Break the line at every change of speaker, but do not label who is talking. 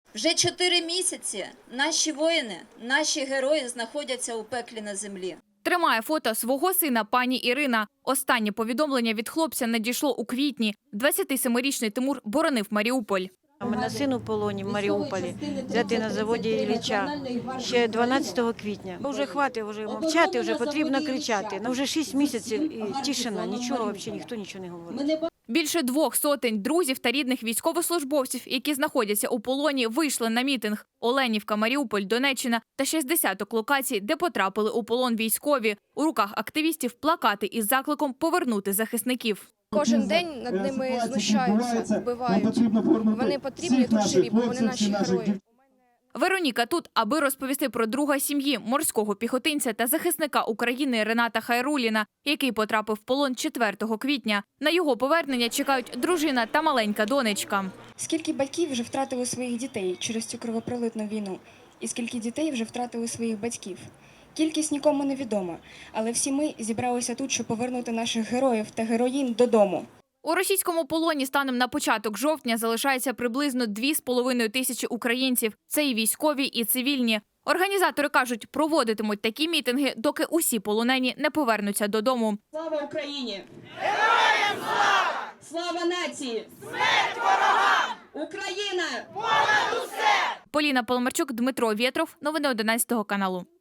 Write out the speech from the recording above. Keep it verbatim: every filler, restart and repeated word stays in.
Вже чотири місяці наші воїни, наші герої знаходяться у пеклі на землі.
Тримає фото свого сина пані Ірина. Останнє повідомлення від хлопця надійшло у квітні. двадцятисемирічний Тимур боронив Маріуполь.
У мене син у полоні в Маріуполі, взятий на заводі Ілліча ще дванадцятого квітня. Вже хватить вже мовчати, вже потрібно кричати. Ну, вже шість місяців і тишина, нічого, взагалі ніхто нічого не говорить.
Більше двох сотень друзів та рідних військовослужбовців, які знаходяться у полоні, вийшли на мітинг. Оленівка, Маріуполь, Донеччина та ще з десяток локацій, де потрапили у полон військові. У руках активістів плакати із закликом повернути захисників.
Кожен день над ними знущаються, вбивають. Вони потрібні тут живі, бо вони наші герої.
Вероніка тут, аби розповісти про друга сім'ї, морського піхотинця та захисника України Рената Хайруліна, який потрапив в полон четвертого квітня. На його повернення чекають дружина та маленька донечка.
Скільки батьків вже втратили своїх дітей через цю кровопролитну війну? І скільки дітей вже втратили своїх батьків? Кількість нікому не відома, але всі ми зібралися тут, щоб повернути наших героїв та героїнь додому.
У російському полоні станом на початок жовтня залишається приблизно дві з половиною тисячі українців. Це і військові, і цивільні. Організатори кажуть, проводитимуть такі мітинги, доки усі полонені не повернуться додому.
Слава Україні! Героям слава! Слава нації! Смерть ворогам! Україна! Понад усе!
Поліна Поломарчук, Дмитро Вєтров. Новини одинадцятого каналу.